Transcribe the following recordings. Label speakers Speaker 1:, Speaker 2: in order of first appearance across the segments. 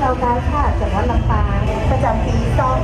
Speaker 1: เรากาชาติจังหวัดลำปางประจำปี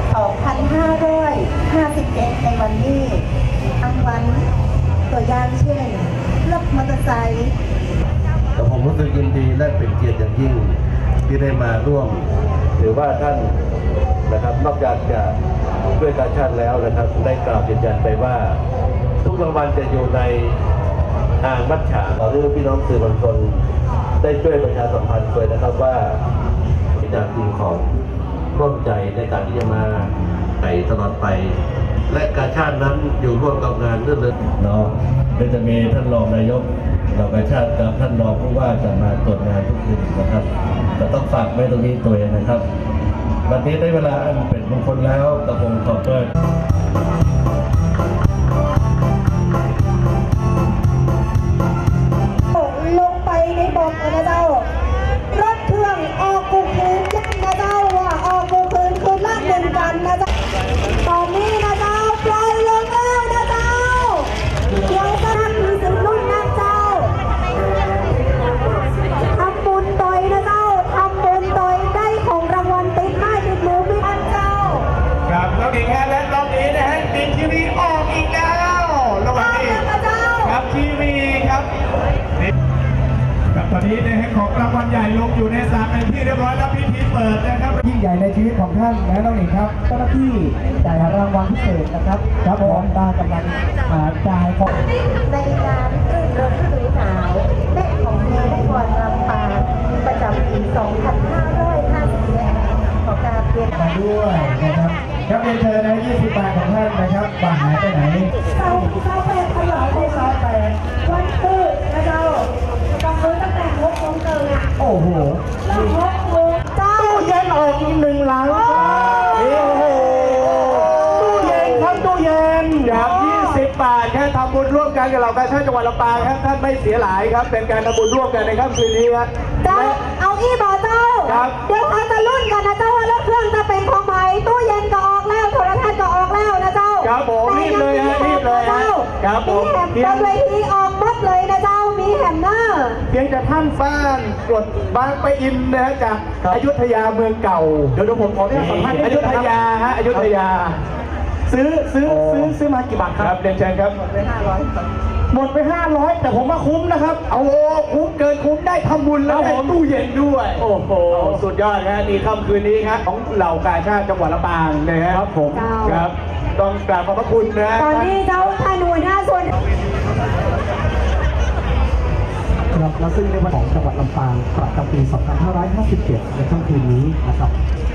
Speaker 1: 2557ในวันนี้รางวัลตัวอย่างเช่นรถมอเตอร์ไซค์
Speaker 2: แต่ผมรู้สึกยินดีและเป็นเกียรติอย่างยิ่งที่ได้มาร่วมหรือว่าท่านนะครับนอกจากจะด้วยการชาติแล้วนะครับได้กล่าวยืนยันไปว่าทุกรางวัลจะอยู่ในอ่างมัดฉาหรือพี่น้องสื่อมวลชนได้ช่วยประชาสัมพันธ์ด้วยนะครับว่าเป็นอย่างจริงของร่วมใจในการที่จะมาไปตลอดไป และการชาตินั้นอยู่ร่วมกับงานเรื่องเนาะโดยจะมีท่านรองนายกเราการชาติกับท่านรองผู้ว่าจะมาตรวจงานทุกคืนนะครับเราต้องฝากไว้ตรงนี้ตัวเองนะครับวันนี้ได้เวลาอันเป็นมงคลแล้วกระผมขอด้วย
Speaker 1: ลงไปในบ่อนะเจ้ารถเครื่องออกกูคืนยันนะเจ้าว่าออกกูคืนคืนละหนึ่งกันนะเจ้าตอนนี้นะเจ้าปล่อยลงแล้วนะเจ้าเดี๋ยวจะทำมีสิบรุ่นนะเจ้าทำบุญโดยนะเจ้าทำบุญโดยได้ของรางวัลติดไม้ติดมือพี่อันเจ้า
Speaker 3: ครับน้องหญิงฮะและรอบนี้นะฮะติดทีวีออกอีกแล้วระหว่างนี้ครับทีวีครับตอนนี้นะฮะของรางวัลใหญ่ลงอยู่ในสระเป็นที่เรียบร้อยแล้วพิธีเปิดนะครับยิ่งใหญ่ในชีวิตของท่านนะน้องหญิงครับเจ้าหน้าที่จ่ายรางวัลพิเศษนะครับครับผมตากำลังจ่ายของ
Speaker 1: ในงานรื่นรมฤดูหนาวและของดีและกวนลำปางประจำปี 2557ของการเปลี่ยน
Speaker 3: มาด้วยนะครับครับเรียนเชิญนะ20 บาทของท่านนะครับบาทหายไปไหน
Speaker 1: เศร้าแปดตลอดเลยค่ะวันตื่นนะเจ้าต้องซื้อตั้งแต่6 โมงเกินอ่ะ
Speaker 3: โอ้โห
Speaker 1: แล้ว6 โมงเจ้า
Speaker 3: ตู้เย็นออกอีก1 ลังโอ้โหตู้เย็นครับตู้เย็นครับ20 บาทแค่ทำบุญร่วมกันกับเราการชาติจังหวัดลำปางครับท่านไม่เสียหลายครับเป็นการทำบุญร่วมกันในค่ำคืนนี้ครับ
Speaker 1: เจ้าเอาอี้บ่อเจ้า
Speaker 3: ครับ
Speaker 1: เดี๋ยวเขาจะรุ่นกันนะเจ้าว่ารถเครื่องจะเป็นของไหมตู้เย็นก็ออกแล้วโทรทัศน์ก็ออกแล้วนะเจ้า
Speaker 3: ครับผมรีบเลยฮะรีบเลยฮะครับผม
Speaker 1: มีแหมบนเวทีออกหมดเลยนะเจ้ามีแหมเนอร์
Speaker 3: เพียงแต่ท่านบ้านกดบางปะอินนะฮะจากอยุธยาเมืองเก่าเดี๋ยวผมขอเรียกสัมภาษณ์อยุธยาฮะอยุธยาซื้อมากี่บาทครับเรียนเชิญครับหมดไป500แต่ผมว่าคุ้มนะครับเอาคุ้มเกินคุ้มได้ทำบุญแล้วได้ตู้เย็นด้วยโอ้โหสุดยอดนะนี่ค่ำคืนนี้ครับของเหล่ากาชาติจังหวัดลำปางนะฮะครับผมครับต้องกราบขอบพระคุณนะ
Speaker 1: ตอนนี้เจ้าท่านหัวหน้าส่วน
Speaker 4: ครับและซึ่งในวันของจังหวัดลำปางประจำปี 2557 ในค่ำคืนนี้นะครับ